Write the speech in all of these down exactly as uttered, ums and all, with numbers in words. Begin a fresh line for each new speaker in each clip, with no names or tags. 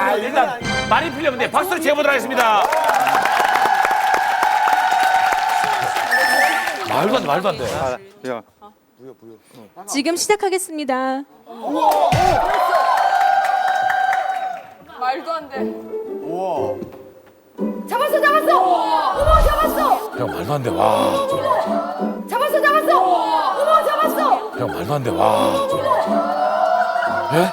아, 일단 많이 풀렸는데 박수로 채워보도록 하겠습니다. 말도 안 돼, 말도 안 돼.
아, 야.
지금 시작하겠습니다.
말도 안 돼.
우와.
잡았어, 잡았어. 어머, 잡았어.
형 말도 안 돼, 와.
잡았어, 잡았어. 어머, 잡았어.
형 말도 안 돼, 와. 예?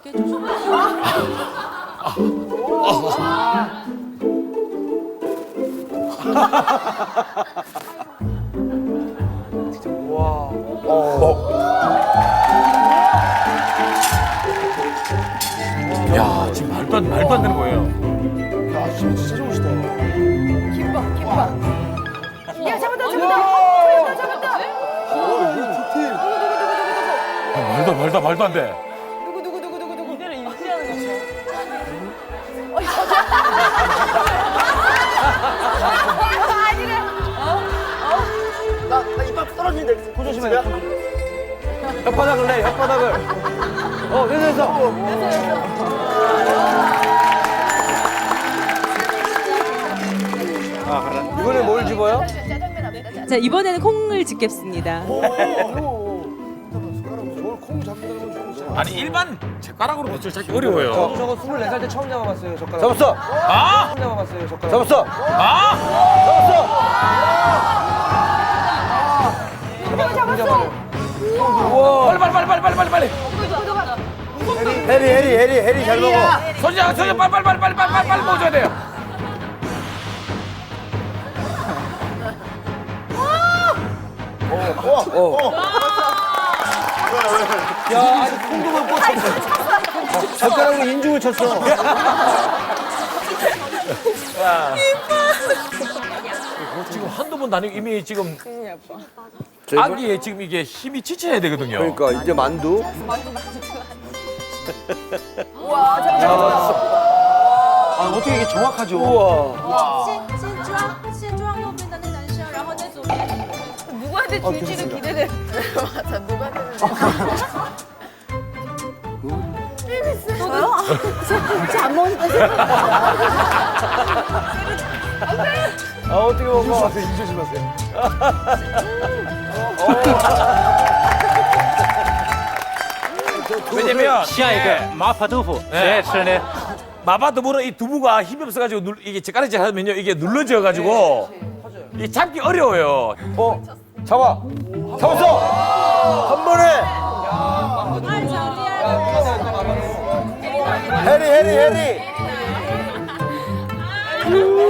야, 지금 말도 안, 말도 안 되는 거예요.
야, 힘이 진짜 좋으시다.
김밥, 김밥. 야, 잡았다, 잡았다. 잡았다, 잡았다.
어, 이거 디테일.
형, 말도, 말도, 말도 안 돼.
누구, 누구, 누구, 누구, 누구. 이대로 유지하는 거죠. 아니래.
나, 나 이빨 떨어지는데. 코 조심해. 혓바닥을 내, 혓바닥을. 어, 됐어, 됐어. 아, 가라. 이번에 뭘 집어요?
자, 이번에는 콩을 집겠습니다.
아니, 일반 젓가락으로 젓을 찾기 어려워요.
저거 스물네 살 때 처음 잡아봤어요, 젓가락.
잡았어.
아!
처음 잡아봤어요, 젓가락.
잡았어.
아!
잡았어.
빨리, 빨리, 빨리, 빨리, 빨리, 빨리, 빨리.
해리, 해리, 해리, 해리 잘 먹어.
손자, 손자, 빨리, 빨리, 빨리, 빨리, 빨리, 빨리, 빨리 먹어줘야 돼요.
야, 아니, 콩두만 꽂혔어. 젓가락으로 인중을 쳤어.
지금 한두 번 다니고 이미 지금 아기에 지금 이게 힘이 지쳐야 되거든요.
그러니까 이제 만두.
와, 잡았어.
아, 어떻게 이게 정확하죠? 우와.
누구한테 줄지를 기대돼. 맞아, 누구한테 저요? 진짜 안 먹으니까
아, 어떻게 먹어? 조심하세요, 이 조심하세요.
왜냐면
下一个麻婆豆腐，谁爱吃呢？
마파두부는 이 두부가 힘이 없어가지고 눌, 이게 젓가락질 하면요 이게 눌러져가지고 이 잡기 어려워요.
어, 잡아. 잡았어. 한 번에. 해리, 해리, 해리.